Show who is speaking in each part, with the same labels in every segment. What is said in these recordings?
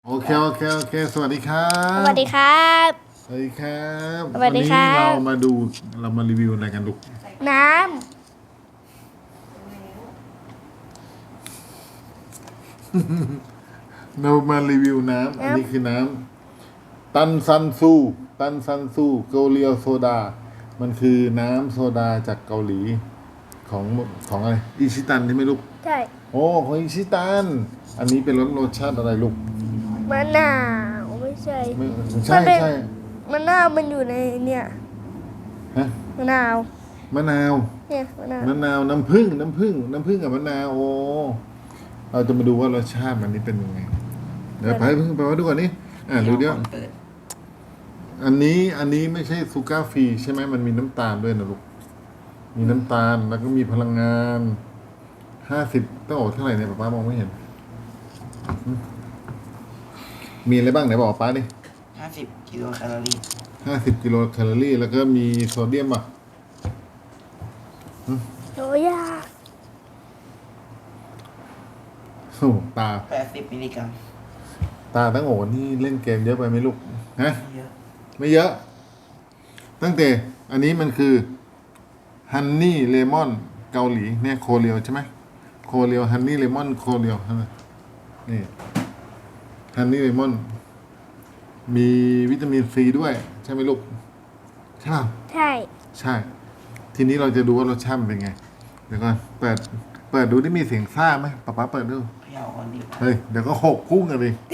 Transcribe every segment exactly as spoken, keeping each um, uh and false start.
Speaker 1: โอเคโอเคโอเคสวัสดีครับ
Speaker 2: สวัสดีครับ
Speaker 1: สวัสดีครับ
Speaker 2: สวัสดีครับ
Speaker 1: วันนี้เรามาดูเรามารีวิวอะไรกันลูก
Speaker 2: น้
Speaker 1: เรามารีวิวน้ำอันนี้คือน้ำตันซันซูตันซันซูเกาเลียวโซดา มันคือน้ำโซดาจากเกาหลีของของอะไรอิชิตันใช่ไหมลูก
Speaker 2: ำใช่
Speaker 1: โอ้ของอิชิตันอันนี้เป็นรสรสชาติอะไรลูก
Speaker 2: มะนาวไม่ใช่
Speaker 1: ไม่ใช่
Speaker 2: มันเป็น
Speaker 1: ใช่
Speaker 2: มะนาวมันอยู่ในเนี่ย
Speaker 1: ฮะ
Speaker 2: มะนาว
Speaker 1: มะนาว
Speaker 2: เนี่ยมะนาว
Speaker 1: มะนาวน้ำผึ้งน้ำผึ้งน้ำผึ้งกับมะนาวโอ้เราจะมาดูว่ารสชาติมันนี่เป็นยังไงเดี๋ยวไปเพิ่งไปว่าดูก่อนนี่อ่าดูเดี๋ยวอันนี้อันนี้ไม่ใช่ซูการ์ฟรีใช่ไหมมันมีน้ำตาลด้วยนะลูกมีน้ำตาลแล้วก็มีพลังงานห้าสิบต้องบอกเท่าไหร่เนี่ยป้ามองไม่เห็นอืมมีอะไรบ้างไหนบอกป้าดิ
Speaker 3: ห้าสิบกิโลแคลอรี่
Speaker 1: ห้าสิบกิโลแคลอรี่ แล้วก็มีโซเดียมอ่ะ
Speaker 2: โอ้ยาก
Speaker 1: โอ้ตา
Speaker 3: แปดสิบมิลลิกรัม
Speaker 1: ตาตั้งโหนี่เล่นเกมเยอะไปไหมลูกฮะ
Speaker 3: เยอะ
Speaker 1: ไม่เยอะ ตั้งแต่อันนี้มันคือฮันนี่เลมอนเกาหลีเนี่ยโคเรียวใช่ไหมโคเรียวฮันนี่เลมอนโคเรียวนี่ฮันนี่เลมอนมีวิตามินซีด้วย ใช่ไหมลูก ใช่ป่ะ
Speaker 2: ใช่
Speaker 1: ใช่ ทีนี้เราจะดูว่ารสชาติมันเป็นไง เดี๋ยวก่อนเปิด เปิดดูได้มีเสียงซ่าไหมป๊าป๊าเปิดดู
Speaker 3: เขย่าก่อนดีกว่า
Speaker 1: เฮ้ย เดี๋ยวก็หกพุ่งกันเลย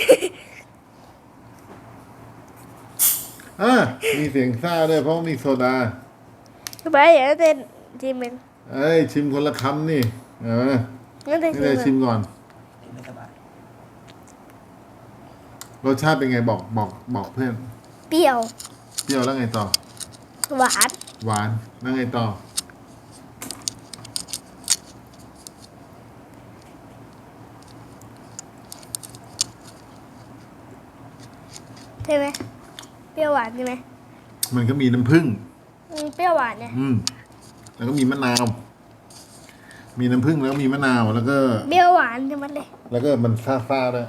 Speaker 1: อ่ามีเสียงซ่าด้วยเพราะว่ามีโซดา
Speaker 2: ไปอย่าเต้นชิมเอง
Speaker 1: เอ้ย ชิมคนละคำนี่เออ
Speaker 2: งั้นเต้น
Speaker 1: นี่เลย
Speaker 2: ชิ
Speaker 1: ชิ
Speaker 2: ม
Speaker 1: มก่อน
Speaker 3: ไม่สบาย
Speaker 1: รสชาติเป็นไงบอกบอกบอกเพื่อน
Speaker 2: เปรี้ยว
Speaker 1: เปรี้ยวแล้วไงต่อ
Speaker 2: หวาน
Speaker 1: หวานแล้วไงต่อ
Speaker 2: ใช่ไหมเปรี้ยวหวานใช่ไหม
Speaker 1: มันก็มีน้ำผึ้ง
Speaker 2: อืมเปรี้ยวหวานเนี่ย
Speaker 1: อืม แล้วก็มีมะนาว มีน้ำผึ้งแล้วก็มีมะนาวแล้วก็
Speaker 2: เปรี้ยวหวานใช่ไหมเลย
Speaker 1: แล้วก็มันซ่าซ่าๆด้วย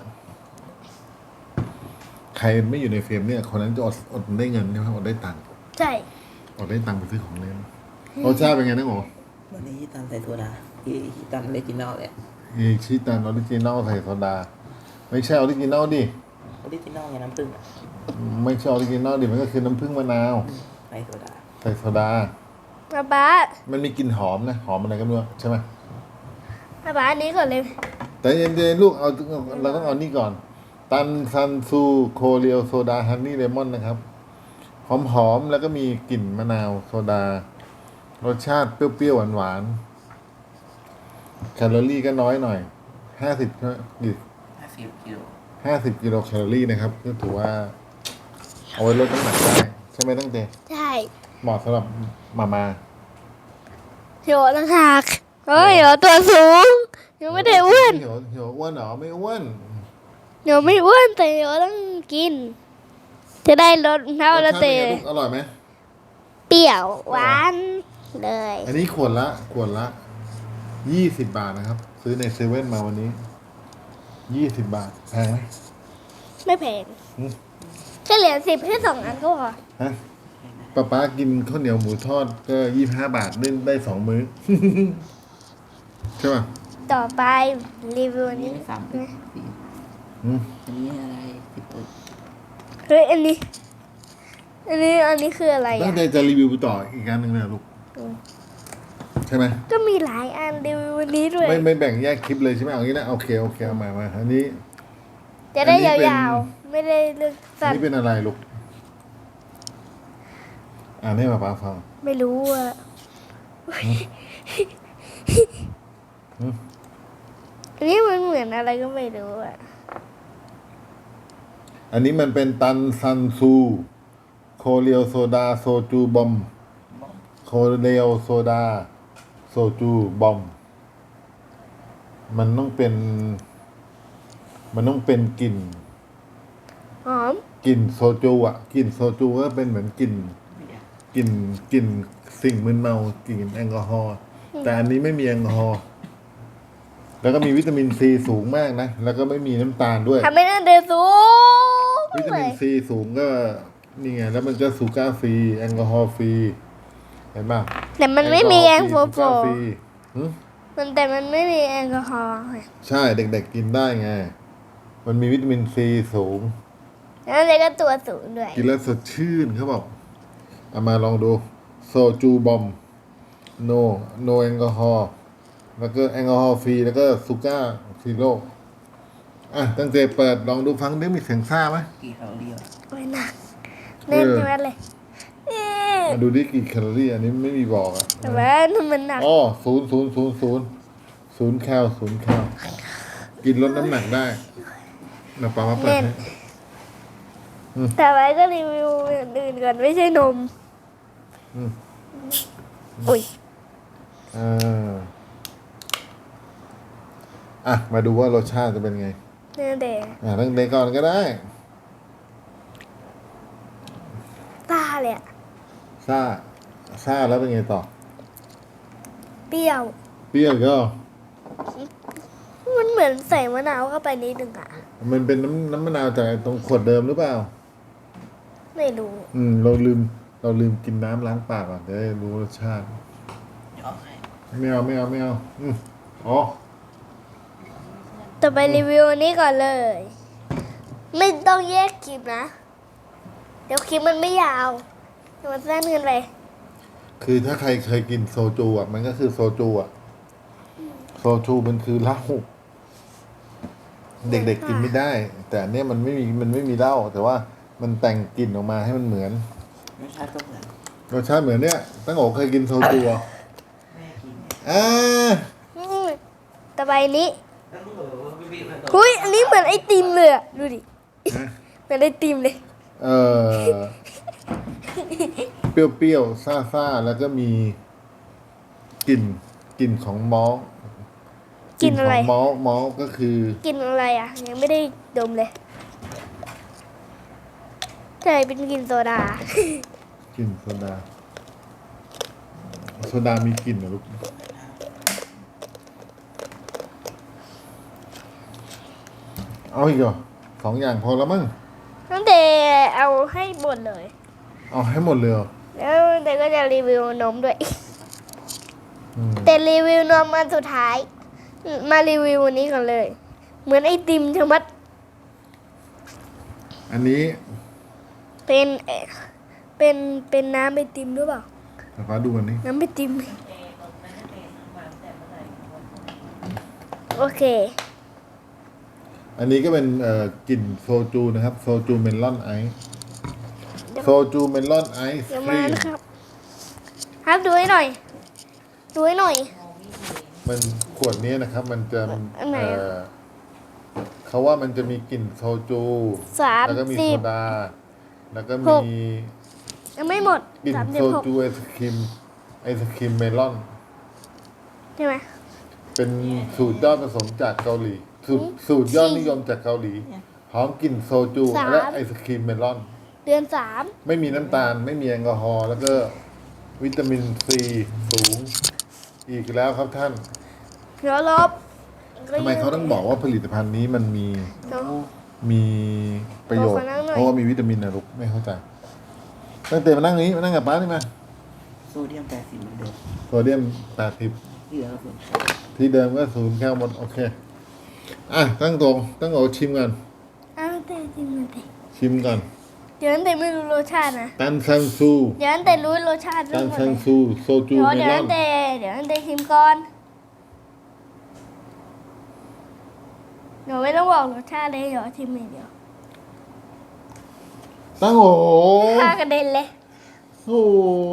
Speaker 1: ใครไม่อยู่ในเฟรมเนี่ยคนนั้นจะอดอดได้เงินใช่ไหมอดได้ตังค์
Speaker 2: ใช่
Speaker 1: อดได้ตังค์ไปซื้อของเล่นรสชาติเป็นไงนะโอ้
Speaker 3: วันนี้ตามใส่โซดาที่ตามเลจินอลเลย
Speaker 1: อีชิตันออริจินอลใส่โซดา ไม่ใช่ออริจินอลดิ
Speaker 3: ออริจินอลไงน้ำผึ้งอะ
Speaker 1: ไม่ใช่ออริจินอลดิ มันก็คือน้ำผึ้งมะนาว
Speaker 3: ใส่โซดา
Speaker 1: ใส่โซดา
Speaker 2: ป๊าป๊า
Speaker 1: มันมีกลิ่นหอมนะ หอมอะไรก็ไม่รู้ใช่ไหม
Speaker 2: ป๊าป๊าอันนี้ก่อนเลย
Speaker 1: แต่เย็นๆลูกเอาเราต้องเอานี่ก่อน ตันซันซูโคเรียวโซดาฮันนี่เลมอนนะครับ หอมๆแล้วก็มีกลิ่นมะนาวโซดา รสชาติเปรี้ยวๆหวานๆแคลอรี่ก็น้อยหน่อยห้าสิบกี่
Speaker 3: ห้าสิบกิโล
Speaker 1: ห้าสิบกิโลแคลอรี่นะครับก็ถือว่า เอาไว้ลดน้ำหนักได้ใช่ไหมตั้งแต่
Speaker 2: ใช่
Speaker 1: เหมาะสำหรับมามา
Speaker 2: เหี่ยวต่างหากเฮ้ยเหี่ยวตัวสูงยังไม่ได้อ้วน
Speaker 1: เหี่ยวเหี่ยวอ้วนเหรอไม่อ้วน
Speaker 2: เดี๋ยวไม่อ้วนแต่เดี๋ยวต้องกิน จะได้ลดเท่าร
Speaker 1: ส
Speaker 2: ละ
Speaker 1: ชาติ
Speaker 2: เต
Speaker 1: เป็นไงลูกอร่อยไหม
Speaker 2: เปรี้ยวหวานเลย
Speaker 1: อันนี้ขวดละขวดละยี่สิบบาทนะครับ ซื้อในเซเว่นมาวันนี้ยี่สิบบาทแพงไหม
Speaker 2: ไม่แพง
Speaker 1: อืม
Speaker 2: แค่เหรียญสิบแค่สองอันก็พอ
Speaker 1: ฮะป้าป๊ากินข้าวเหนียวหมูทอดก็ยี่สิบห้าบาทได้ได้สองมื้อ ใช่ป่ะ
Speaker 2: ต่อไปรีวิว
Speaker 3: อั
Speaker 2: อั
Speaker 3: น
Speaker 2: น
Speaker 3: นี้
Speaker 2: นี้
Speaker 3: สามสิบ
Speaker 1: อืม
Speaker 3: อันนี้อะไรสิบเอ็ด
Speaker 2: เฮ้ยอันนี้ อันนี้อันนี้คืออะไร
Speaker 1: ตั้
Speaker 2: อ่ะ
Speaker 1: งใจจะรีวิวต่ออีกอันหนึ่งเลยเหรอลูก
Speaker 2: อืม
Speaker 1: ใช่ไหม
Speaker 2: ก็มีหลายอันรีวิววันนี้ด้วย
Speaker 1: ไม่ไม่แบ่งแยกคลิปเลยใช่ไหมเอางี้นะโอเคโอเคเอามามาอันนี้
Speaker 2: จะได้
Speaker 1: อันนี้เป็น
Speaker 2: ยาวๆ ไม่ได้เลือก
Speaker 1: อัน
Speaker 2: สั้น
Speaker 1: นี้เป็นอะไรลูกอ่านให้ป้าป๊าฟัง
Speaker 2: ไม่รู้อ่ะ
Speaker 1: อืม
Speaker 2: อันนี้มันเหมือนอะไรก็ไม่รู้อ่ะ
Speaker 1: อันนี้มันเป็นตันซันซูโคเรียวโซดาโซจูบอมโคเรียวโซดาโซจูบอมมันต้องเป็น มันต้องเป็นกลิ่น
Speaker 2: หอม
Speaker 1: กลิ่นโซจูอ่ะกลิ่นโซจูก็เป็นเหมือนกลิ่น
Speaker 3: ไม่อยาก
Speaker 1: กลิ่นกลิ่นสิ่งมึนเมากลิ่นแอลกอฮอล์แต่อันนี้ไม่มีแอลกอฮอล์แล้วก็มีวิตามินซีสูงมากนะ แล้วก็ไม่มีน้ำตาลด้วย
Speaker 2: ทำให้หน้าเดินสูง
Speaker 1: วิตา
Speaker 2: เล
Speaker 1: มิน
Speaker 2: ย
Speaker 1: ซีสูงก็นี่ไง แล้วมันก็ซูก้าฟรี แอลกอฮอล์ฟรี เห็นป่ะ
Speaker 2: แต่มันไม่มีแอลกอฮอ
Speaker 1: ซูก้า
Speaker 2: ล์
Speaker 1: ฟรีหึ
Speaker 2: มันแต่มันไม่มีแอลกอฮอล์ไง
Speaker 1: ใช่เด็กๆกินได้ไง มันมีวิตามินซีสูง
Speaker 2: แล้วเลยก็ตัวสูงด้วย
Speaker 1: กินแล้วสดชื่นเขาบอกเอามาลองดูโซจูบอมโนโนแอลกอฮอล์แล้วก็แอลกอฮอล์ฟรีแล้วก็ซูก้าซีโร่อ่ะตั้งใจเปิดลองดูฟังได้มีเสียงซ่าไหม
Speaker 3: กี่แคลอรี่วะ
Speaker 2: โอ้ยหนักแน่นจังเลยเอ๊ะ
Speaker 1: มาดูดิกี่แคลอรี่อันนี้ไม่มีบอกอ่ะ
Speaker 2: แต่ว่ามันหนัก
Speaker 1: อ๋อศูนย์ศูนย์ศูนย์ศูนย์ศูนย์แคลศูนย์แคลกินลดน้ำหนักได้นะป้ามาเปิด
Speaker 2: แน่น
Speaker 1: ให้
Speaker 2: แต่ไว้ก็รีวิวอย่างอื่นก่อนไม่ใช่นม
Speaker 1: อืม
Speaker 2: อุ้ย
Speaker 1: อ่าอ่ะมาดูว่ารสชาติจะเป็นไง
Speaker 2: เนื้อแดง
Speaker 1: อ่ะตั้งแต่ก่อนก็ได้
Speaker 2: ตาเลยอะ
Speaker 1: ซ่าซ่าแล้วเป็นไงต่อ
Speaker 2: เปรี้ยว
Speaker 1: เปรี้ยวก็
Speaker 2: มันเหมือนใส่มะนาวเข้าไปนิดนึงอะ
Speaker 1: มันเป็นน้ำน้ำมะนาวจากตรงขวดเดิมหรือเปล่า
Speaker 2: ไม่รู้
Speaker 1: อืม เราลืม เราลืมกินน้ำล้างปากก่อนจะได้รู้รสชาติ
Speaker 3: เดี๋ยวเอาให้
Speaker 1: ไม่เอาไม่เอาไม่เอาอืมอ๋อ
Speaker 2: ต่อไปรีวิวอันนี้ก่อนเลย ไม่ต้องแยกคลิปนะ เดี๋ยวคลิปมันไม่ยาวเดี๋ยวมันสั้นเกินไป
Speaker 1: คือถ้าใครเคยกินโซจูอ่ะ มันก็คือโซจูอ่ะ โซจูมันคือเหล้าเด็กๆกินไม่ได้ แต่อันเนี้ยมันไม่มีมันไม่มีเหล้าแต่ว่ามันแต่งกลิ่นออกมาให้มันเหมือน
Speaker 3: รสชาติก็เหมือน
Speaker 1: รสชาติเหมือนเนี้ยตั้งโอเคยกินโซจูอ่ะ
Speaker 3: แม่กิน
Speaker 1: อ่า
Speaker 2: อืมต่อไปนี้
Speaker 3: แล้วมึงบอกว่าพี่บิ๊กมัน
Speaker 2: หุยอันนี้เหมือนไอติมเลยอะดูดิ
Speaker 1: ฮะ
Speaker 2: เหมือนไอติมเลย
Speaker 1: เออเปรี้ยวๆซ่าๆแล้วก็มีกลิ่นกลิ่นของมอลต์
Speaker 2: กลิ่นอะไร
Speaker 1: ของมอลต์มอลต์ก็คือ
Speaker 2: กินอะไรอ่ะ ยังไม่ได้ดมเลยใช่เป็นกลินโซดา
Speaker 1: กลิ่นโซดาโซดามีกลิ่นเหรอลูกเอาอีกเหรอสองอย่างพอแล้วมั้ง
Speaker 2: ตั้งแต่เอาให้หมดเลย
Speaker 1: เอาให้หมดเลยเหรอ
Speaker 2: แล้วแต่ก็จะรีวิวนมด้วย
Speaker 1: อืม
Speaker 2: แต่รีวิวนมมันสุดท้าย มารีวิววันนี้ก่อนเลย เหมือนไอติมชะมัด
Speaker 1: อันนี้
Speaker 2: เป็นเอ่อเป็นเป็นน้ำไอติมหรือเปล่า
Speaker 1: ฟ้าดูกันนี่
Speaker 2: น้ำไอติม โอเค
Speaker 1: อันนี้ก็เป็นเอ่อกลิ่นโซจูนะครับ โซจูเมลอนไอซ์โซจูเมลอนไอซ์
Speaker 2: เดี๋ยว
Speaker 1: ค
Speaker 2: มา
Speaker 1: รีม
Speaker 2: นะครับ ครับดูให้หน่อย ดูให้หน่อย
Speaker 1: มันขวดนี้นะครับ มันจะ
Speaker 2: อันไหน
Speaker 1: เอ่
Speaker 2: อะ
Speaker 1: อเขาว่ามันจะมีกลิ่นโซจู
Speaker 2: สาม
Speaker 1: แล้วก็มี
Speaker 2: สิ
Speaker 1: โซ
Speaker 2: บ
Speaker 1: ดา แล้วก็
Speaker 2: ห
Speaker 1: มี
Speaker 2: ก ยังไม่หมด
Speaker 1: กลิ่น
Speaker 2: สามสิ
Speaker 1: โซ
Speaker 2: บหก
Speaker 1: จูไอศครีมไอศครีมเมลอน
Speaker 2: ใช่ไหม
Speaker 1: เป็นสูตรยอดผสมจากเกาหลี สูตรสูตรยอดนิยมจากเกาหลีหอมกลิ่นโซจูและไอศครีมเมลอน
Speaker 2: เดือนสาม
Speaker 1: ไม่มีน้ำตาลไม่มีแอลกอฮอล์แล้วก็วิตามินซีสูง อีกแล้วครับท่าน
Speaker 2: เดี๋ยวลบ
Speaker 1: ทำไมเขาต้องบอกว่าผลิตภัณฑ์นี้มันมี
Speaker 2: เดี๋ยว
Speaker 1: มีประโยชน์
Speaker 2: ขอนั่งหน่อย
Speaker 1: เพราะว่ามีวิตามินนะลูกไม่เข้าใจตั้งแต่มานั่งนี้มานั่งกับป้านี่มา
Speaker 3: โซเดียมแปดสิบเหมือนเดิม
Speaker 1: โซเดียมแปดสิบ
Speaker 3: ที่เหลือก็ส่วน
Speaker 1: ที่เดิมก็ศูนย์แคลหมดโอเคอ่ะตั้งตรงตั้งโอชิมกัน
Speaker 2: อ้าวแต่จริงมันแต่
Speaker 1: ชิมก่อน
Speaker 2: เดี๋ยวนั้นแต่ไม่รู้รสชาตินะ
Speaker 1: ตันซันซู
Speaker 2: เดี๋ยวนั้นแต่รู้รสชาติ
Speaker 1: ตั
Speaker 2: ทั้
Speaker 1: น
Speaker 2: งหมด
Speaker 1: ซัน
Speaker 2: เลย
Speaker 1: ซูโซจู
Speaker 2: เดี๋ยว
Speaker 1: เม
Speaker 2: เดี๋ยว
Speaker 1: ลอ
Speaker 2: นั้น นแต่เดี๋ยวนั้นแต่ชิมก่อน เดี๋ยวไม่ต้องบอกรสชาติเลยเดี๋ยวชิมอย่างเดียว
Speaker 1: ตั้งโอ
Speaker 2: ข้ากระเด็นเลย
Speaker 1: โอ้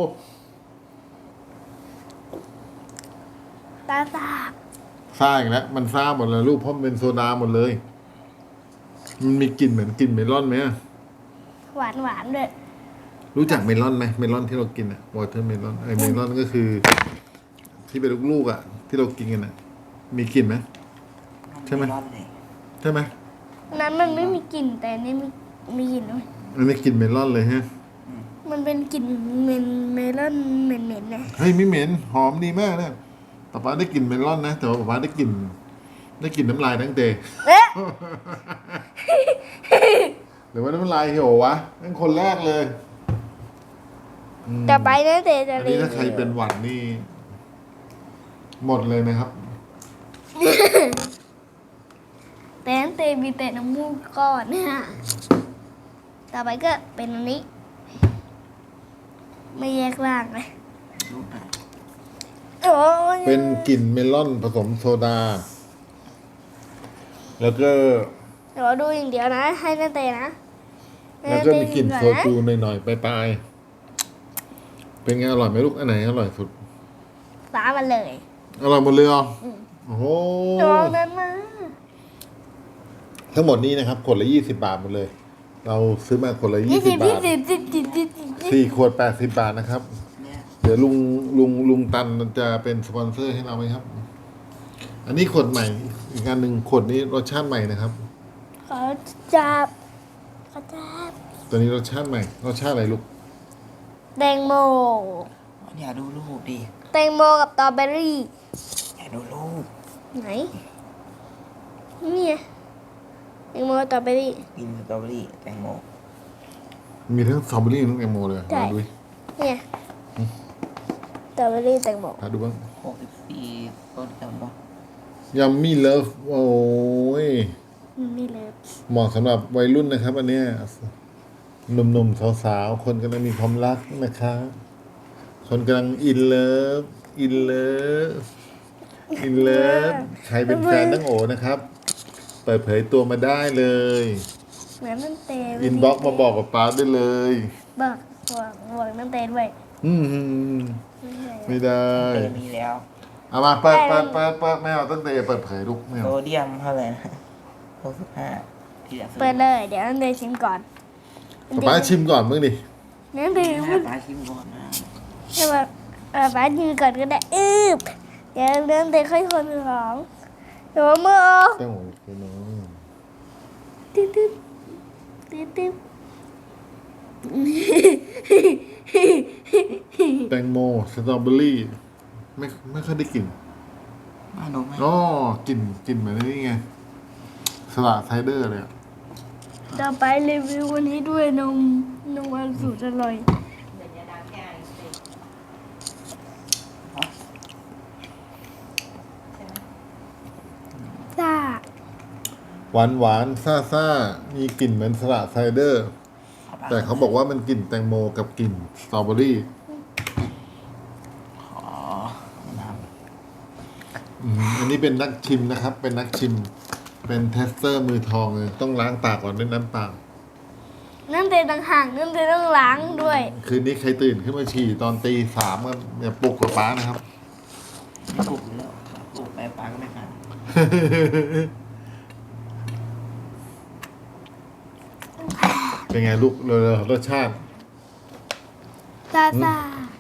Speaker 2: ตาสาบ
Speaker 1: ซ่าอีกแล้วมันซ่าหมดเลยลูกเพราะมันเป็นโซดาหมดเลย มันมีกลิ่นเหมือนกลิ่นเมลอนไหมอะ
Speaker 2: หวานหวานๆด้วย
Speaker 1: รู้จักเมลอนไหมเมลอนที่เรากินอะวอเตอร์เมลอนไอเมลอนก็คือ ที่เป็นลูกๆอะที่เรากินกันอะมีกลิ่นไหม ใช่ไหม
Speaker 3: รอดเลย
Speaker 1: ใช่ไหม
Speaker 2: อันนั้นมันไม่มีกลิ่นแต่อันนี่มีมีกลิ่นด้วย
Speaker 1: อันนี้กลิ่นเมลอนเลยฮะ
Speaker 2: มันเป็นกลิ่นเมนเมลอนเหม็นๆนะ
Speaker 1: เฮ้ยไม่เหม็นหอมดีมากนะป๊าป๊าได้กลิ่นเมลอนนะแต่ว่าป๊าป๊าได้กลิ่นได้กลิ่นน้ำลายตั้งเต
Speaker 2: เอ๊ะ
Speaker 1: หรือว่าน้ำลายเหี่ยววะนั่นคนแรกเลยอืม
Speaker 2: ต่อไปนั่นเตจะ
Speaker 1: อัน
Speaker 2: รี
Speaker 1: นี้
Speaker 2: วิว
Speaker 1: ถ้าใครเป็นหวัดนี่ หมดเลยนะครับ
Speaker 2: แต่นั่นเตมีแต่น้ำมูกก่อนนะฮะต่อไปก็เป็นอันนี้ ไม่แยกร่างเลย
Speaker 3: รูปอ่ะ
Speaker 2: โอ้ย
Speaker 1: เป็นกลิ่นเมลอนผสมโซดา แล้วก็
Speaker 2: เดี๋ยวดูอย่างเดียวนะ ให้นั่นเตนะ
Speaker 1: แล้วก็มีกลิ่นโซ
Speaker 2: อนนะ
Speaker 1: จูหน่อยๆปลายๆเป็นไงอร่อยไหมลูกอันไหนอร่อยสุด
Speaker 2: ฟ้ามันเลย
Speaker 1: อร่อยหมดเลยเหรอโอ้โห
Speaker 2: โดนนั้นมา
Speaker 1: ทั้งหมดนี้นะครับขวดละยี่สิบบาทหมดเลย เราซื้อมาขวดละ
Speaker 2: ยี่
Speaker 1: ยี่
Speaker 2: สิ
Speaker 1: สิ
Speaker 2: บ
Speaker 1: บบา
Speaker 2: ยี่
Speaker 1: ท
Speaker 2: สิบยี่สิบยี่สิบยี่สิบ
Speaker 1: สี่ขวดแปดสิบบาทนะครับ
Speaker 3: เนี่ย
Speaker 1: เดี๋ยวลุงลุงลุงตันจะเป็นสปอนเซอร์ให้เราไหมครับ อันนี้ขวดใหม่ อีกอันหนึ่งขวดนี้รสชาติใหม่นะครับ
Speaker 2: ขอจับขอจับ
Speaker 1: ตัวนี้รสชาติใหม่ รสชาติอะไรลูก
Speaker 2: แตงโม
Speaker 3: อย่าดูรูปดิ
Speaker 2: แตงโมกับสตรอเบอรี่
Speaker 3: อย่าดูรูป
Speaker 2: ไหน นี่ไงแตงโมกับสตรอเบอรี่
Speaker 3: กินสตรอเบอรี่แตงโม
Speaker 1: มีทั้งสตรอเบอรี่ทั้งแตงโมเลย
Speaker 2: ใช่
Speaker 1: มาดูดิ
Speaker 2: เนี่ยสตรอเบอรี่แตงโม
Speaker 1: หาดูบ้าง
Speaker 3: หกสิบสี่ต้นจำปะ
Speaker 1: ยัมมี่เลิฟโอ้ย
Speaker 2: นี่เลย
Speaker 1: เหมาะสำหรับวัยรุ่นนะครับ อันเนี้ยหนุ่มๆสาวๆคนกำลังมีความรักนะครับคนกำลังอินเลิฟอินเลิฟอินเลิฟใครเป็นแฟนตั้งโอนะครับ เปิดเผยตัวมาได้เลย
Speaker 2: เหมือนนั่นเต
Speaker 1: อินบ็อกมาบอกกับป้าได้เลย
Speaker 2: บอกบอกบอกนั่นเตด้วย
Speaker 1: อืมไม่ได้
Speaker 3: เตมีแล้ว
Speaker 1: เอามาเปิดเปิดเปิดเปิดไม่เอาตั้งแต่เปิดเผยลูกไม่
Speaker 3: โซ
Speaker 1: เอา
Speaker 3: เดียมเท่าไหร่นะหกสิบห้าที่เหลือ
Speaker 2: เปิดเลย เดี๋ยวนั่นเตชิมก่อน
Speaker 1: ป้าชิมก่อนมึงดิ
Speaker 2: นั่นเต
Speaker 3: ห
Speaker 2: มั
Speaker 3: น้าน ตาชิมก่อนนะ
Speaker 2: ให้ว่าเออป้าชิมก่อนก็ได้อืบเดี๋ยวนั่นเตค่อยคนของเดี๋ยวมือออก
Speaker 1: ตั้งโอเคเนาะ
Speaker 2: ตึ๊ดตึ๊ดตึ๊ดตึ๊ด
Speaker 1: แตงโมสตรอเบอรี่ไม่ไม่ค่อยได้กลิ่น
Speaker 3: มาดูไหม
Speaker 1: อ๋อกลิ่นกลิ่นเหมือนนี่ไงสละไซเดอร์เลยอะ
Speaker 2: ต่อไปรีวิววันนี้ด้วยนมนมอันสูตรอร่อยจ้า
Speaker 1: หวานหวานซ่าซ่ามีกลิ่นเหมือนสละไซเดอร์ แต่เขาบอกว่ามันกลิ่นแตงโมกับกลิ่นสตรอเบอรี่
Speaker 3: อ๋อน้
Speaker 1: อืมอันนี้เป็นนักชิมนะครับ เป็นนักชิม เป็นเทสเตอร์มือทองเลยต้องล้างปากก่อนด้วยน้ำเปล่า
Speaker 2: นั่นเตต่างหากนั่นเตต้องล้างด้วย
Speaker 1: คืนนี้ใครตื่นขึ้นมาฉี่ตอนตีสามก็อย่าปลุกกับป้านะครับ
Speaker 3: ำไม่ปลูกแล้วปลูกไปปลาก็ไม่ทัน
Speaker 1: เป็นไงลูกเร็วๆรสชาติ
Speaker 2: ซาซา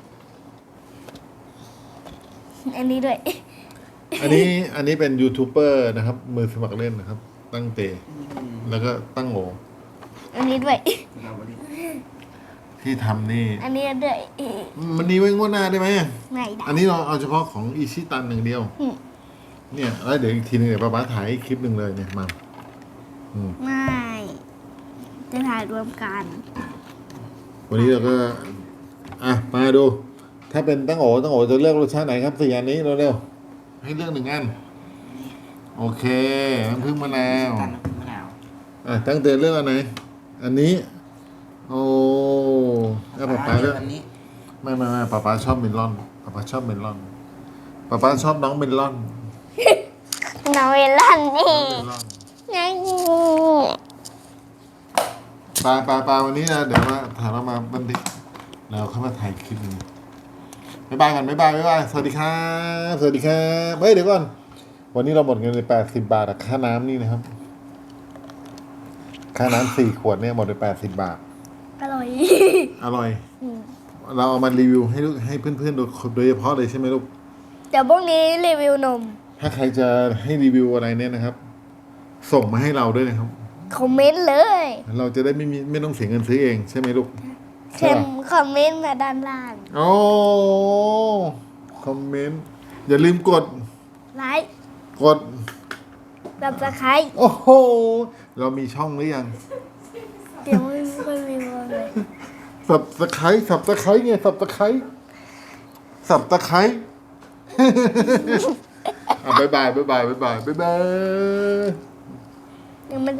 Speaker 2: อันนี้ด้วย
Speaker 1: อันนี้อันนี้เป็นยูทูบเบอร์นะครับ มือสมัครเล่นนะครับ ตั้งเต
Speaker 3: อืม
Speaker 1: แล้วก็ตั้งโห
Speaker 2: อันนี้ด้วย
Speaker 3: สตรอเบอรี่
Speaker 1: ที่ทำนี่
Speaker 2: อันนี้ด้วย
Speaker 1: มันนี้ไว้งวดหน้าได้ไหม
Speaker 2: ไหนได้
Speaker 1: อันนี้เราเอาเฉพาะของอีชิตันหนึ่งเดียว
Speaker 2: อืม
Speaker 1: เนี่ยแล้วเดี๋ยวอีกทีนึงเดี๋ยวป้าป้าถ่ายอีกคลิปหนึ่งเลยเนี่ยมาอืม
Speaker 2: ไม่จะถ่ายรวมกัน
Speaker 1: วันนี้เราก็ อ่ะ มาดู ถ้าเป็นตั้งโอตั้งโอจะเลือกรสชาติไหนครับสี่อันนี้เร็วๆให้เลือกหนึ่งอัน โอเคน้ำผึ้งมะนาว
Speaker 3: ตันน้ำผึ้งมะนาว
Speaker 1: อ่ะตั้งเตเลือกอันไหน อันนี้ โอ้แล้วป้าป้าเลือก
Speaker 3: อันนี้
Speaker 1: ไม่ไม่ไม่ป้าป้าชอบเมลอนป้าป้าชอบเมลอนป้าป้าชอบน้องเมลอน
Speaker 2: น้องเวลันนี่
Speaker 1: เมลอน
Speaker 2: ไง
Speaker 1: ปลาปลาปลาวันนี้นะเดี๋ยวมาถ่ายเรามาบันทึกแล้วเข้ามาถ่ายคลิปนึงบ๊ายบายกันบ๊ายบายบ๊ายบายสวัสดีครับสวัสดีครับเฮ้ยเดี๋ยวก่อนวันนี้เราหมดเงินไปแปดสิบบาทอะค่าน้ำนี่นะครับ ค่าน้ำสี่ขวดเนี่ยหมดไปแปดสิบบาท
Speaker 2: อร่อย
Speaker 1: อร่อย เราเอามารีวิวให้ลูกให้เพื่อนๆโดยโดยเฉพาะเลยใช่ไหมลูก
Speaker 2: เดี๋ยวพวกนี้รีวิวนม
Speaker 1: ถ้าใครจะให้รีวิวอะไรเนี่ยนะครับ ส่งมาให้เราด้วยนะครับ
Speaker 2: คอมเมนต์เลย
Speaker 1: เราจะได้ไม่มีไม่ต้องเสียเงินซื้อเองใช่ไหมลูก
Speaker 2: เข็มคอมเมนต์มาด้านล่าง
Speaker 1: โอ้คอมเมนต์อย่าลืมกด
Speaker 2: ไลค์
Speaker 1: กด
Speaker 2: สับตะไคร้
Speaker 1: โอ้โห เรามีช่องหรือยัง
Speaker 2: เดี๋ยวไม่ค่อยมีคนเลย
Speaker 1: สับตะไคร้สับตะไคร้ไงสับตะไคร้สับตะไคร้ อ่ะบ๊ายบายบ๊ายบายบ๊ายบายบ๊ายบาย
Speaker 2: ยังไม่